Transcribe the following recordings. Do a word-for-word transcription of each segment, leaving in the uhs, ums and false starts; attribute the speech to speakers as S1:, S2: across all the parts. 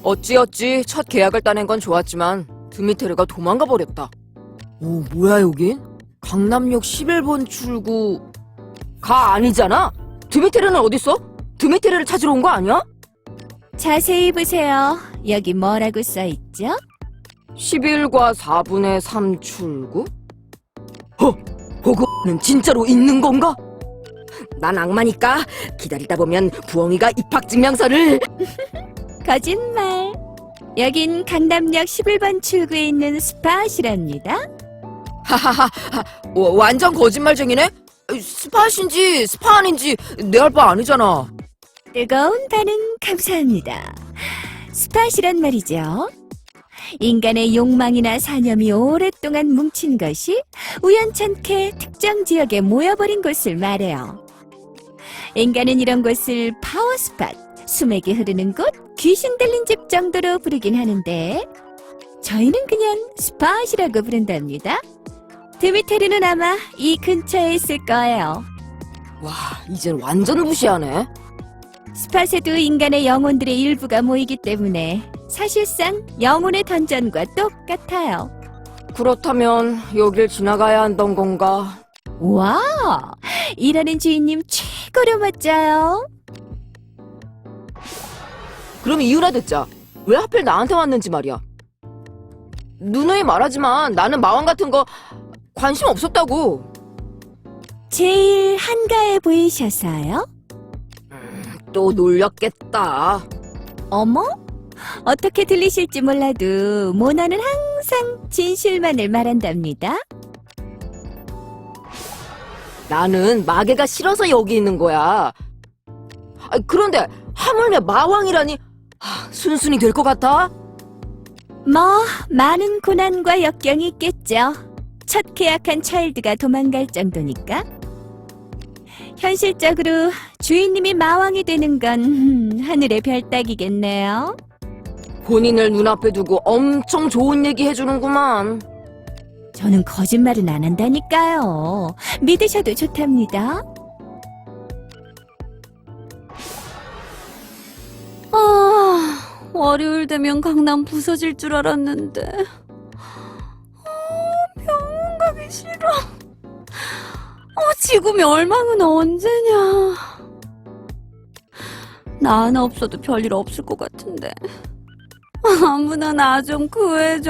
S1: 어찌어찌 첫 계약을 따낸 건 좋았지만 드미테르가 도망가 버렸다. 오, 뭐야 여긴? 강남역 십일 번 출구... 가 아니잖아? 드미테르는 어딨어? 드미테르를 찾으러 온 거 아니야?
S2: 자세히 보세요. 여기 뭐라고 써있죠?
S1: 십일과 사분의 삼 출구? 허! 호그는 진짜로 있는 건가? 난 악마니까 기다리다 보면 부엉이가 입학증명서를...
S2: 거짓말. 여긴 강남역 십일 번 출구에 있는 스팟이랍니다.
S1: 하하하, 와, 완전 거짓말쟁이네? 스팟인지 스파 아닌지 내 할 바 아니잖아.
S2: 뜨거운 반응 감사합니다. 스팟이란 말이죠. 인간의 욕망이나 사념이 오랫동안 뭉친 것이 우연찮게 특정 지역에 모여버린 곳을 말해요. 인간은 이런 곳을 파워스팟, 수맥이 흐르는 곳, 귀신 들린 집 정도로 부르긴 하는데 저희는 그냥 스팟이라고 부른답니다. 드미테르는 아마 이 근처에 있을 거예요.
S1: 와, 이젠 완전 무시하네.
S2: 스팟에도 인간의 영혼들의 일부가 모이기 때문에 사실상 영혼의 던전과 똑같아요.
S1: 그렇다면 여길 지나가야 한던 건가?
S2: 와, 일하는 주인님 최고로 멋져요.
S1: 그럼 이유나 듣자. 왜 하필 나한테 왔는지 말이야. 누누이 말하지만 나는 마왕 같은 거 관심 없었다고.
S2: 제일 한가해 보이셔서요?
S1: 또 놀렸겠다.
S2: 어머? 어떻게 들리실지 몰라도 모나는 항상 진실만을 말한답니다.
S1: 나는 마개가 싫어서 여기 있는 거야. 아, 그런데 하물며 마왕이라니 하, 순순히 될 것 같아?
S2: 뭐 많은 고난과 역경이 있겠죠. 첫 계약한 차일드가 도망갈 정도니까. 현실적으로 주인님이 마왕이 되는 건 음, 하늘의 별 따기겠네요.
S1: 본인을 눈앞에 두고 엄청 좋은 얘기 해주는구만.
S2: 저는 거짓말은 안 한다니까요. 믿으셔도 좋답니다.
S3: 아, 월요일 되면 강남 부서질 줄 알았는데. 아, 병원 가기 싫어. 어, 지구 멸망은 언제냐. 나 하나 없어도 별일 없을 것 같은데. 아무나 나 좀 구해줘.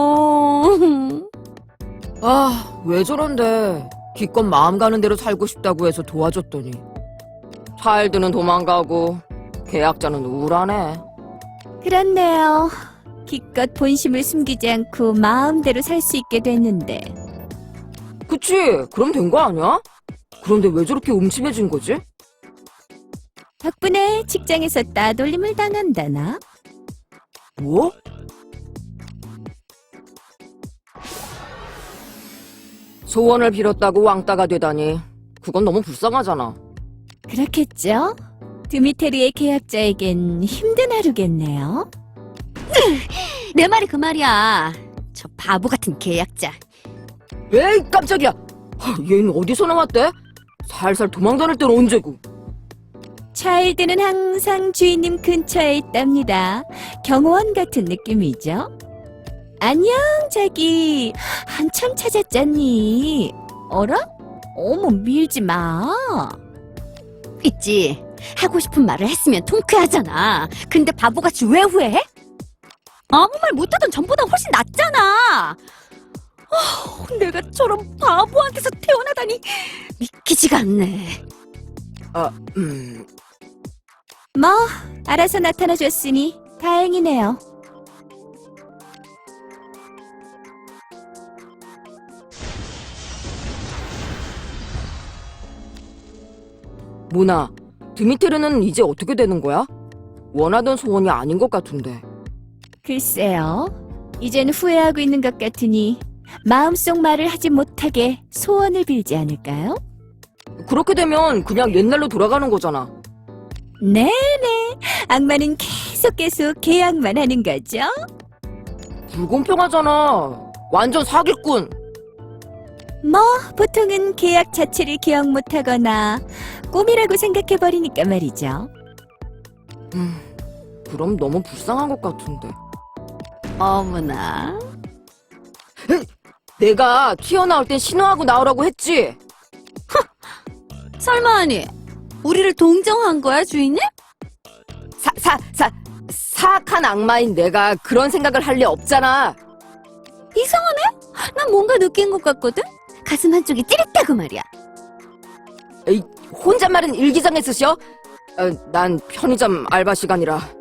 S1: 아, 왜 저런데. 기껏 마음 가는 대로 살고 싶다고 해서 도와줬더니 차일드는 도망가고 계약자는 우울하네.
S2: 그렇네요. 기껏 본심을 숨기지 않고 마음대로 살 수 있게 됐는데.
S1: 그치? 그럼 된 거 아니야? 그런데 왜 저렇게 음침해진 거지?
S2: 덕분에 직장에서 따돌림을 당한다나?
S1: 뭐? 소원을 빌었다고 왕따가 되다니 그건 너무 불쌍하잖아.
S2: 그렇겠죠? 드미테르의 계약자에겐 힘든 하루겠네요.
S3: 내 말이 그 말이야. 저 바보 같은 계약자.
S1: 에이, 깜짝이야. 하, 얘는 어디서 나왔대? 살살 도망다닐 때는 언제고.
S2: 차일드는 항상 주인님 근처에 있답니다. 경호원 같은 느낌이죠. 안녕, 자기. 한참 찾았잖니. 어라? 어머, 밀지 마.
S3: 있지. 하고 싶은 말을 했으면 통쾌하잖아. 근데 바보같이 왜 후회해? 아무 말 못하던 전보다 훨씬 낫잖아. 어, 내가 저런 바보한테서 태어나다니 믿기지가 않네.
S1: 아, 음...
S2: 뭐, 알아서 나타나줬으니 다행이네요.
S1: 모나, 드미테르는 이제 어떻게 되는 거야? 원하던 소원이 아닌 것 같은데.
S2: 글쎄요. 이젠 후회하고 있는 것 같으니 마음속 말을 하지 못하게 소원을 빌지 않을까요?
S1: 그렇게 되면 그냥 옛날로 돌아가는 거잖아.
S2: 네네. 악마는 계속 계속 계약만 하는 거죠.
S1: 불공평하잖아. 완전 사기꾼.
S2: 뭐 보통은 계약 자체를 기억 못하거나 꿈이라고 생각해버리니까 말이죠.
S1: 음, 그럼 너무 불쌍한 것 같은데.
S3: 어머나.
S1: 내가 튀어나올 땐 신호하고 나오라고 했지?
S3: 설마 아니, 우리를 동정한 거야, 주인님?
S1: 사, 사, 사, 사악한 악마인 내가 그런 생각을 할 리 없잖아.
S3: 이상하네? 난 뭔가 느낀 것 같거든? 가슴 한쪽이 찌릿하고 말이야.
S1: 에이, 혼잣말은 일기장에 쓰셔? 어, 난 편의점 알바 시간이라.